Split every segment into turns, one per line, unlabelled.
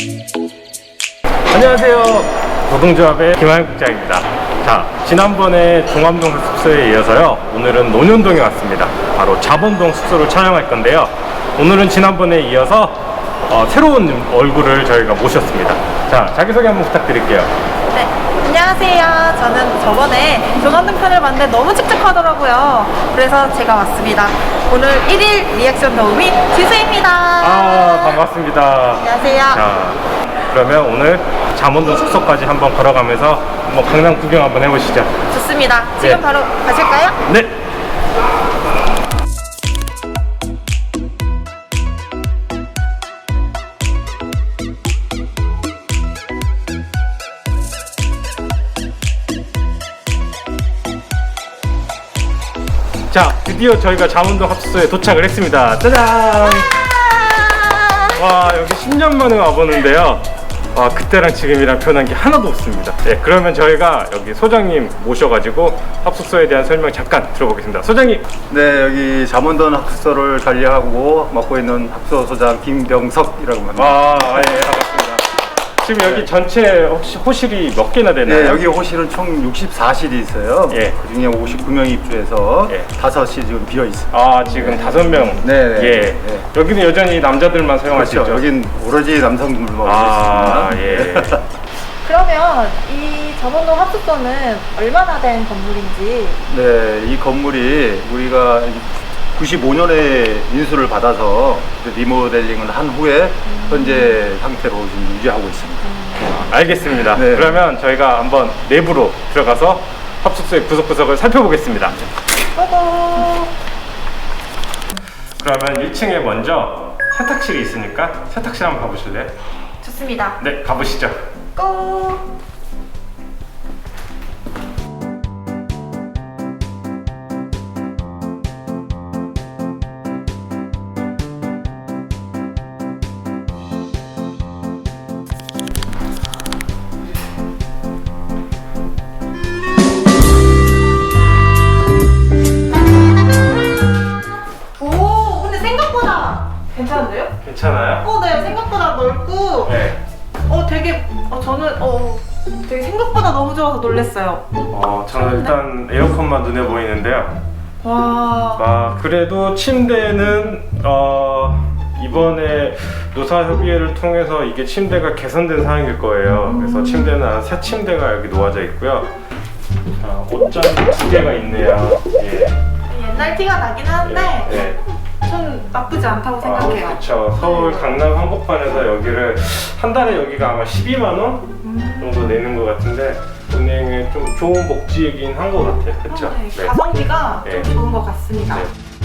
안녕하세요. 노동조합의 김하영 국장입니다. 자, 지난번에 종암동 숙소에 이어서요, 오늘은 논현동에 왔습니다. 바로 자본동 숙소를 촬영할 건데요. 오늘은 지난번에 이어서 새로운 얼굴을 저희가 모셨습니다. 자, 자기소개 한번 부탁드릴게요.
네, 안녕하세요. 저는 저번에 종암동 편을 봤는데 너무 칙칙하더라고요. 그래서 제가 왔습니다. 오늘 1일 리액션 도우미 지수입니다.
반갑습니다.
안녕하세요.
자, 그러면 오늘 잠원동 숙소까지 한번 걸어가면서 한번 강남 구경 한번 해보시죠.
좋습니다. 지금
네.
바로 가실까요?
네. 자, 드디어 저희가 잠원동 합숙소에 도착을 했습니다. 짜잔! 와, 여기 10년 만에 와보는데요. 와, 그때랑 지금이랑 변한 게 하나도 없습니다. 네, 그러면 저희가 여기 소장님 모셔가지고 합숙소에 대한 설명 잠깐 들어보겠습니다. 소장님!
네, 여기 잠원동 합숙소를 관리하고 맡고 있는 합숙소 소장 김병석이라고 합니다.
예, 반갑습니다. 지금 여기 전체 혹시 호실이 몇 개나 되나요?
네, 여기 호실은 총 64실이 있어요.
예.
그 중에 59명이 입주해서
예.
5시 지금 비어 있습니다.
아, 지금 5명.
네, 네.
예.
네.
여기는 여전히 남자들만 사용할 수
그렇죠.
있죠.
여긴 오로지 남성들만
아,
있습니다.
예.
그러면 이 잠원동 합숙소는 얼마나 된 건물인지.
네, 이 건물이 우리가 95년에 인수를 받아서 리모델링을 한 후에 현재 상태로 지금 유지하고 있습니다.
알겠습니다.
네.
그러면 저희가 한번 내부로 들어가서 합숙소의 구석구석을 살펴보겠습니다.
고고.
그러면 1층에 먼저 세탁실이 있으니까 세탁실 한번 가보실래요?
좋습니다.
네, 가보시죠.
고. 오, 근데 생각보다 괜찮은데요?
괜찮아요?
네, 생각보다 넓고,
네.
되게, 저는, 되게 생각보다 너무 좋아서 놀랐어요.
저는 일단 에어컨만 눈에 보이는데요.
와.
그래도 침대는 이번에 노사협의회를 통해서 이게 침대가 개선된 상황일 거예요. 그래서 침대는 새 침대가 여기 놓아져 있고요. 자, 옷장이 2개가 있네요. 예.
옛날 티가 나긴 하는데,
예.
전 나쁘지 않다고 생각해요.
그렇죠. 서울 강남 한복판에서 여기를 한 달에 여기가 아마 12만 원 정도 내는 것 같은데 은행에 좀 좋은 복지이긴 한 것 같아요. 그렇죠?
네, 가성비가
네.
좀 좋은 것 같습니다.
네.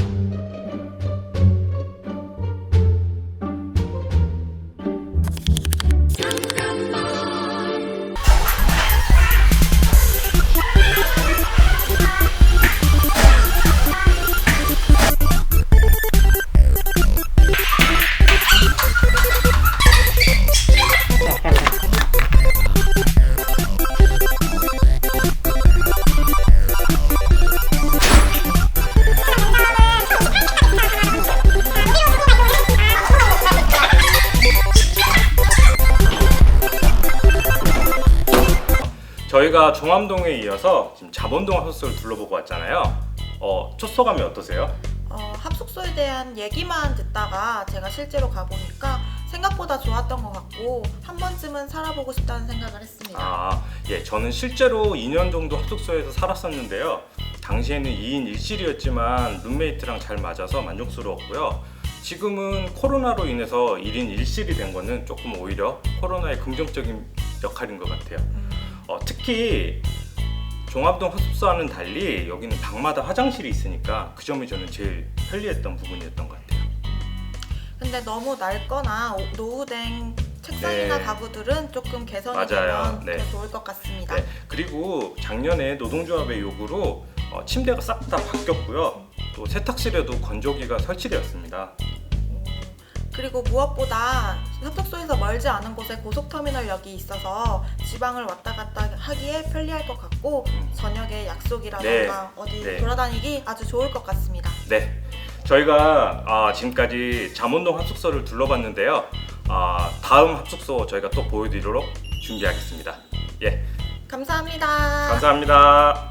저희가 종암동에 이어서 지금 잠원동 합숙소를 둘러보고 왔잖아요. 첫 소감이 어떠세요?
합숙소에 대한 얘기만 듣다가 제가 실제로 가보니까 생각보다 좋았던 것 같고 한 번쯤은 살아보고 싶다는 생각을 했습니다.
예, 저는 실제로 2년 정도 합숙소에서 살았었는데요. 당시에는 2인 1실이었지만 룸메이트랑 잘 맞아서 만족스러웠고요. 지금은 코로나로 인해서 1인 1실이 된 거는 조금 오히려 코로나의 긍정적인 역할인 것 같아요. 특히 종암동 합숙소와는 달리 여기는 방마다 화장실이 있으니까 그 점이 저는 제일 편리했던 부분이었던 것 같아요.
근데 너무 낡거나 노후된 책상이나
네.
가구들은 조금 개선이
맞아요.
되면
네.
더 좋을 것 같습니다.
네, 그리고 작년에 노동조합의 요구로 침대가 싹 다 바뀌었고요. 또 세탁실에도 건조기가 설치되었습니다.
그리고 무엇보다 합숙소에서 멀지 않은 곳에 고속터미널역이 있어서 지방을 왔다 갔다 하기에 편리할 것 같고 저녁에 약속이라던가 어디
네.
돌아다니기 아주 좋을 것 같습니다.
네, 저희가 지금까지 잠원동 합숙소를 둘러봤는데요. 다음 합숙소 저희가 또 보여드리도록 준비하겠습니다. 예,
감사합니다.
감사합니다.